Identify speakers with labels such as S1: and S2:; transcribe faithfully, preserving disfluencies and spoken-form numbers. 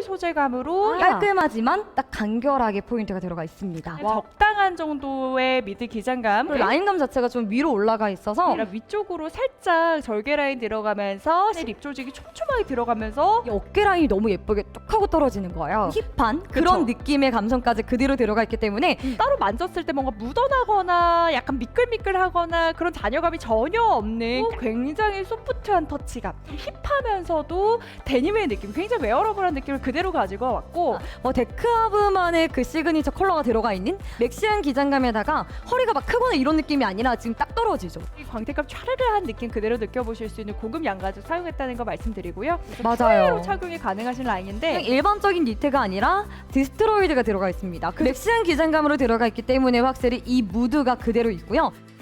S1: 소재감으로
S2: 아. 깔끔하지만 딱 간결하게 포인트가 들어가 있습니다.
S1: 적당한 정도의 미드 기장감,
S2: 그리고 라인감 자체가 좀 위로 올라가 있어서
S1: 아니라 위쪽으로 살짝 절개 라인 들어가면서 립 조직이 촘촘하게 들어가면서
S2: 이 어깨 라인이 너무 예쁘게 뚝 하고 떨어지는 거예요. 힙한 그런 느낌의 감성까지 그대로 들어가 있기 때문에
S1: 따로 만졌을 때 뭔가 묻어나거나 약간 미끌미끌하거나 그런 잔여감이 전혀 없는 굉장히 소프트한 터치감, 힙하면서도 데님의 느낌, 굉장히 웨어러블한 느낌을 그대로 가지고 왔고
S2: 어, 데크하브만의 그 시그니처 컬러가 들어가 있는 맥시한 기장감에다가 허리가 막 크거나 이런 느낌이 아니라 지금 딱 떨어지죠.
S1: 이 광택감 촤르르한 느낌 그대로 느껴보실 수 있는 고급 양가죽 사용했다는 거 말씀드리고요.
S2: 맞아요.
S1: 로 착용이 가능하신 라인인데
S2: 그냥 일반적인 니트가 아니라 디스트로이드가 들어가 있습니다. 그 맥시한 기장감으로 들어가 있기 때문에 확실히 이 무드가 그대로 있고요.